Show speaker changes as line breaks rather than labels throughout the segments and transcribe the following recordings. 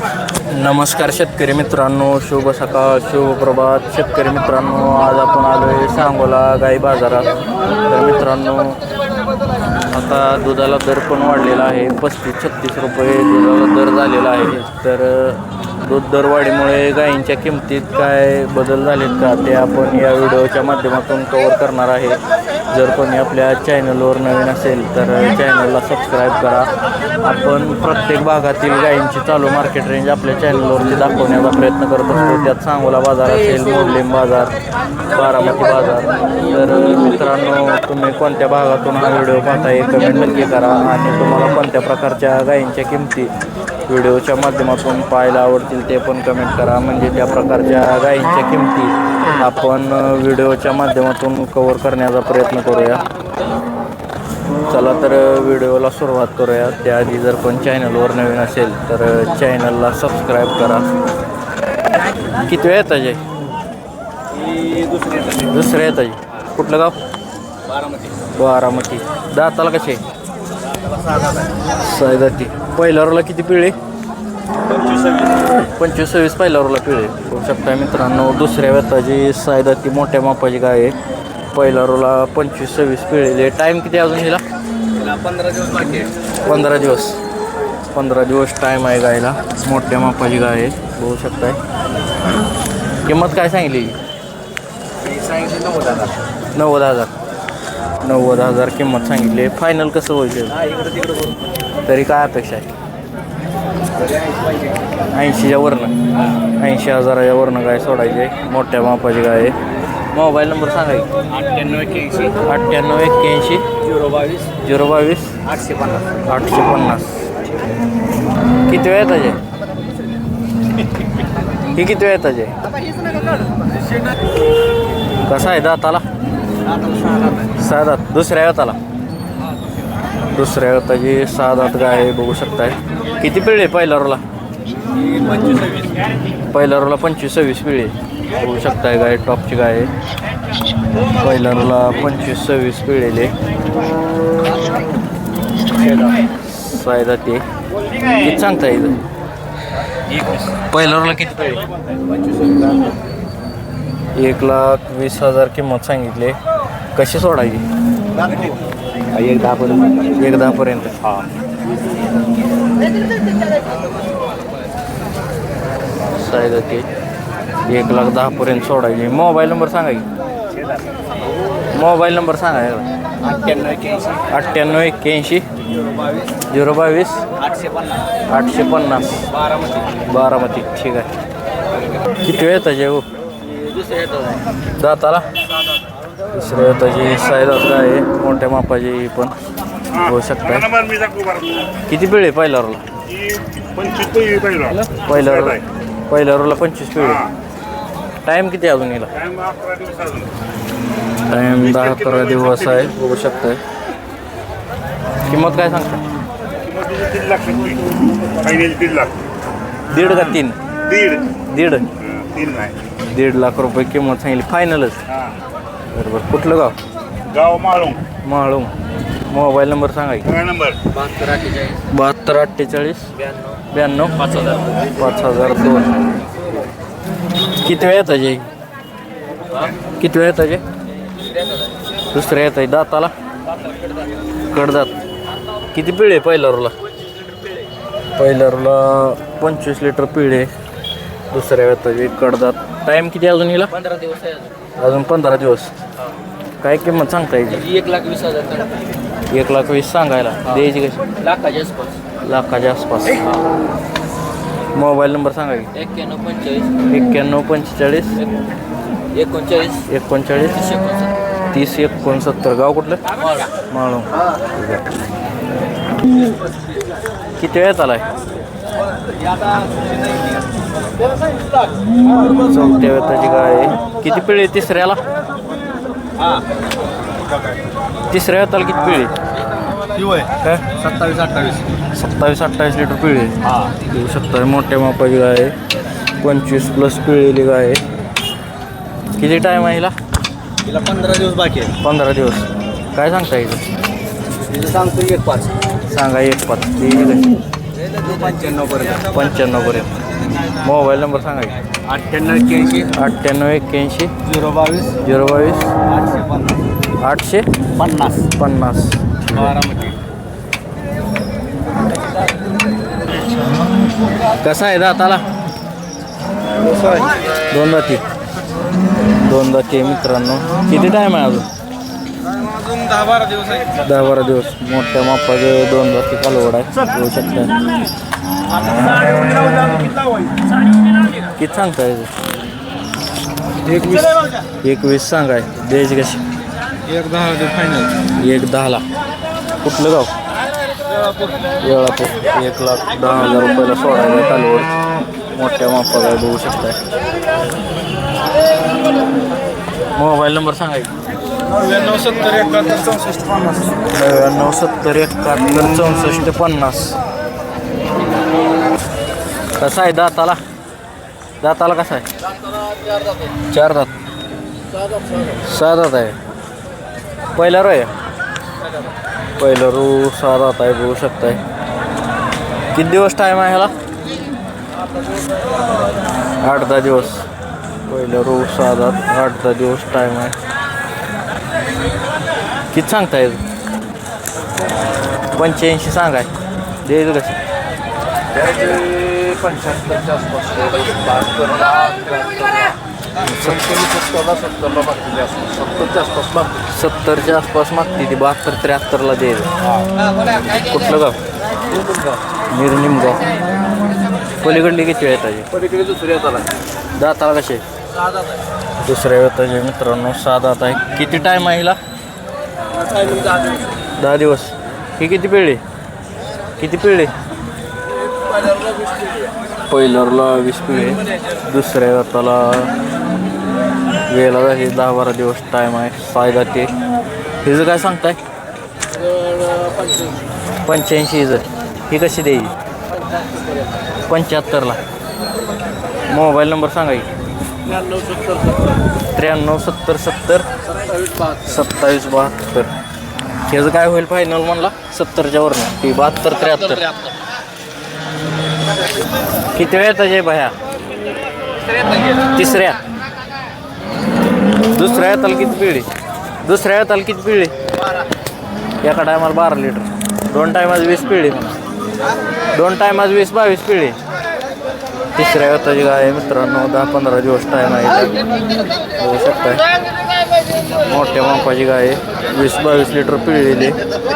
नमस्कार शेतकरी मित्रांनो, शुभ सकाळ, शुभ प्रभात. शेतकरी मित्रांनो, आज आपण आलो आहे सांगोला गाई बाजारात. तर मित्रांनो, आता दुधाला दर पण वाढलेला आहे. 35-36 रुपये दुधाला दर झालेला आहे. तर दूध दरवाढीमुळे गायींच्या किमतीत काय बदल झालेत का, ते आपण या व्हिडिओच्या माध्यमातून कव्हर करणार आहे. जर कोणी आपल्या चॅनलवर नवीन असेल तर चॅनलला सबस्क्राईब करा. आपण प्रत्येक भागातील गायींची चालू मार्केट रेंज आपल्या चॅनलवरती दाखवण्याचा प्रयत्न करत असतो. त्यात सांगोला बाजार असेल, मोडलीम बाजार, बारामती बाजार. तर मित्रांनो, तुम्ही कोणत्या भागातून हा व्हिडिओ पाहताय कमेंट नक्की करा. आणि तुम्हाला कोणत्या प्रकारच्या गायींच्या किमती व्हिडिओच्या माध्यमातून पाहायला आवडतील ते पण कमेंट करा. म्हणजे त्या प्रकारच्या गायींच्या किमती आपण व्हिडिओच्या माध्यमातून कव्हर करण्याचा प्रयत्न करूया. चला तर व्हिडिओला सुरुवात करूया. त्याआधी जर कोण चॅनलवर नवीन असेल तर चॅनलला सबस्क्राईब करा. किती वेळ येतं जे? दुसऱ्या येतं जे. कुठलं गाव? बारामती. दाताला कसे? सायदाती. पहिल्या रोला किती पिळे? 25-26 पहिल्या रोला पिळे. बघू शकता मित्रांनो, दुसऱ्या वेताची सायदाती मोठ्या मापाची गाय आहे. पहिल्या रोला 25-26 पिळेले. टाईम किती अजून हिला?
15 दिवस बाकी आहे.
15 दिवस टाईम आहे गायला. मोठ्या मापाची गाय आहे, बघू शकताय. किंमत काय सांगितली? 90,000 किंमत सांगितली. फायनल कसं होईल? तरी काय अपेक्षा आहे? 80च्या वरनं. 80,000च्या वरनं गाय सोडायची आहे. मोठ्या मापाची गाय आहे. मोबाईल नंबर सांगा की. 9881 022 850. किती वेळ येताचे? ही किती वेळ येताचे? कसा आहे दाताला? 6 दात. दुसऱ्या वेताला? दुसऱ्या वेताची 6 दात गाय आहे, बघू शकताय. किती पिळे पहिल्या रोला? पहिल्या रोला 25-26 पिळे, बघू शकताय. गाय टॉपची गाय आहे. पहिल्या रोला 25-26 पिळेले. सायदा ते किती सांगता येईल? पहिल्या रोला किती पिळे? 1,20,000 किंमत सांगितले. कशी सोडायची? 1,10पर्यंत. हा. सायदा ते 1,10,000पर्यंत सोडायची. मोबाईल नंबर सांगा की. मोबाईल नंबर सांगा. 9881 022 850. बारामती. ठीक आहे. किती वेळ येताचे हो? दाताला? दुसऱ्या येताची सायदात गाय आहे, मोठ्या मापाची पण, होऊ शकता. किती पिळे पहिल्या रोला? पहिल्या रोला 25 पिळे. टाईम किती अजून येईल? टाईम 10-11 दिवस आहे, बघू शकताय. किंमत काय सांगता? 1.5 का 3? 1.5 लाख रुपये किंमत सांगितली. फायनलच? बरोबर. कुठलं गाव? माळुंग. मोबाईल नंबर सांगा की. 7248 92 5002. किती वेळ येताचे? किती वेळ येताचे? दुसऱ्या येत आहे. दाताला? कडदात. किती पिळे पहिल्या रोला? पहिल्या रोला 25 लिटर पिळे. दुसऱ्या येताचे कडदात. टाईम किती अजून हिला?
15 दिवस आहे
अजून 15 दिवस. काय किंमत सांगता येईल?
1,20,000.
1,20,000 सांगायला. द्यायची कशी? लाखाच्या आसपास. मोबाईल नंबर सांगा की. 9145 39 3069. गाव कुठलं? माळुंग. किती वेळात आलाय? चौथ्या वेताची गाय आहे. किती पिळे तिसऱ्याला? तिसऱ्या वेताला किती पिळे? 27-28 लिटर पिळे. येऊ शकता. मोठ्या मापाची गाय आहे. 25+ पिळेली गाय आहे. किती टाईम आहे हिला?
15 दिवस बाकी आहे.
15 दिवस. काय सांगता येईल?
सांगतो 1,5.
सांगा 1,5.
95
95पर्यंत. मोबाईल नंबर सांगा की.
98
98 81
022
022
850
850.
बारामती.
कसा आहे दाताला? दोन दाती. दोन दाती आहे मित्रांनो. किती टाईम आहे अजून?
अजून 10-12 दिवस आहे.
10-12 दिवस. मोठ्या मापाचे दोन दाती कालवड आहे, होऊ शकता. किती सांगताय? 21 सांगाय. द्यायची कशी?
1-10 फायनल.
1-10ला. कुठलं गाव? वेळापूर. 1,10,000 रुपयाला सोडायला कालवड. मोठ्या मापाचा आहे, बघू शकताय. मोबाईल नंबर सांगा की.
99 70 71 64 50.
99 70 71 64 50. कसा आहे दाताला? दाताला कसा आहे? 4 दात. 6 दात आहे. पहिला रो आहे. पहिलं रू 6 दात आहे, बघू शकताय. किती दिवस टाईम आहे ह्याला? 8-10 दिवस. पहिलं रू 6 दात, 8-10 दिवस टाईम आहे. किती सांगताय? 85 सांगाय. द्यायचं कसं?
75च्या आसपास. 72ला 70च्या आसपास.
70च्या आसपास मागते ती. 72-73ला द्यायचं. कुठलं गाव? निमगाव. पलीकडली किती वेळ येताची?
पलीकडे दुसऱ्या झाला.
दाताला कसे? दुसऱ्या वेताचे मित्रांनो. 6 दात आहे. किती टाईम आहे हिला? 10 दिवस. ही किती पिळली? किती पिळली? पहिल्याला 20 पिळे. दुसऱ्या वेताला वेळेला झाली 10-12 दिवस टाईम आहे. 6 दाते. हिचं काय सांगताय? 85 हिचं. ही कशी द्यायची? 75ला. मोबाईल नंबर सांगा की. 93 70 70 27 72. ह्याचं काय होईल फायनल म्हणला? 70च्या वरनं. ती 72-73. किती वेळ येतं जे भया? तिसऱ्या. दुसऱ्या येताला किती पिळी? दुसऱ्या येताला किती पिळी? एका टायमाला 12 लिटर. 2 टायमाला 20 पिळी म्हणा. 2 टायमाला 20-22 पिळी. तिसऱ्या वेताची गाय आहे मित्रांनो. 10-15 दिवस टाईम आहे. बघू शकताय. मोठ्या मापाची गाय आहे. 20-22 लिटर पिळलेली.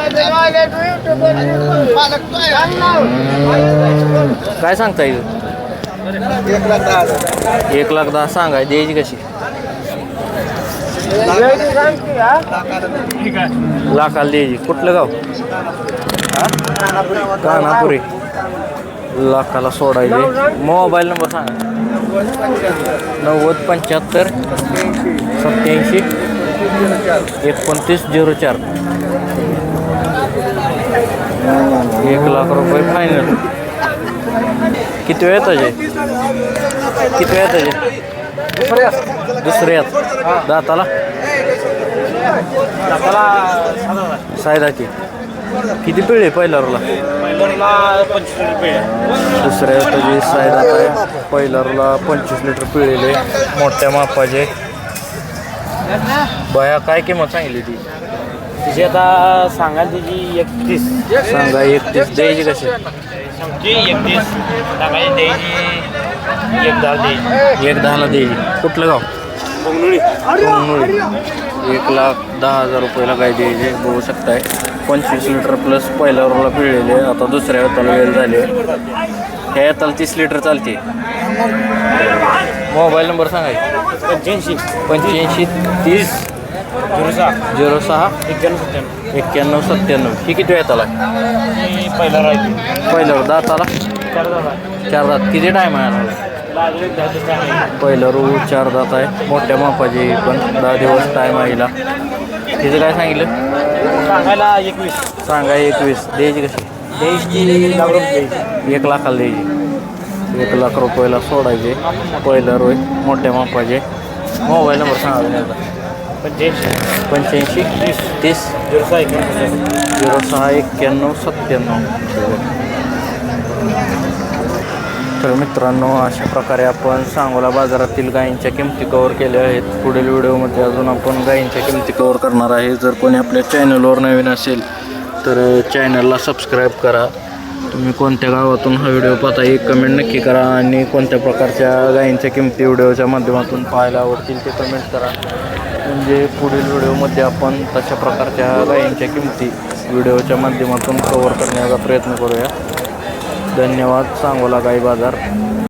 काय सांगता येईल? 1,10,000 सांगाय. द्यायची कशी? लाखाला द्यायची. कुठलं गाव? कानापुरी. लाखाला सोडायचे. मोबाईल नंबर सांगा. 90 75 87 29 04. 1,00,000 रुपये फायनल. किती वेळ येताचे? किती वेळ येताचे? दुसऱ्यात. दाताला? सायदाची. किती पिळे पहिल्या रोला? दुसऱ्या वेताची सायदात आहे. पहिल्या रोला 25 लिटर पिळेले. मोठ्या मापाचे. बया काय किंमत सांगितली ती?
तिची आता सांगाल तिची 31.
सांगा 31. द्यायची कशी?
31 सांगायची द्यायची.
1,10,000ला द्यायची. कुठलं गाव?
कोंगनुळी.
1,10,000 रुपयाला गाय द्यायची. बघू शकताय. 25 लिटर प्लस पहिल्या रोला पिळलेले. आता दुसऱ्या वेताला वेळ झाले. ह्या येताला 30 लिटर चालते. मोबाईल नंबर सांगा.
85
30 06
91
91 97. ही किती वेळ येताला?
पहिला राहते.
पहिल्यावर दाताला? 4 दात. किती टाईम आहे? पहिलं रू 4 दात आहे. मोठ्या मापाची पण 10 दिवस टाईम आहे हिला. तिचं काय सांगितलं?
सांगायला 21.
सांगा 21. द्यायची कशी?
द्यायची
1,00,000ला द्यायची. 1,00,000 रुपयाला सोडायचे. पहिलं रोय मोठ्या मापाचे. मोबाईल नंबर सांगा. 85 30 06 91 97. तर मित्रांनो अशा प्रकारे आपण सांगोला बाजारातील गायींच्या किमती कव्हर केल्या आहेत. पुढील व्हिडिओमध्ये अजून आपण गायींच्या किमती कव्हर करणार आहे. जर कोणी आपल्या चॅनलवर नवीन असेल तर चॅनलला सबस्क्राईब करा. तुम्ही कोणत्या गावातून हा व्हिडिओ पाहता एक कमेंट नक्की करा आणि कोणत्या प्रकारच्या गायींच्या किमती व्हिडिओच्या माध्यमातून पाहायला आवडतील ते कमेंट करा. म्हणजे पुढील व्हिडिओमध्ये आपण तशा प्रकारच्या गायींच्या किमती व्हिडिओच्या माध्यमातून कव्हर करण्याचा प्रयत्न करूया. धन्यवाद. सांगोला गाई बाजार.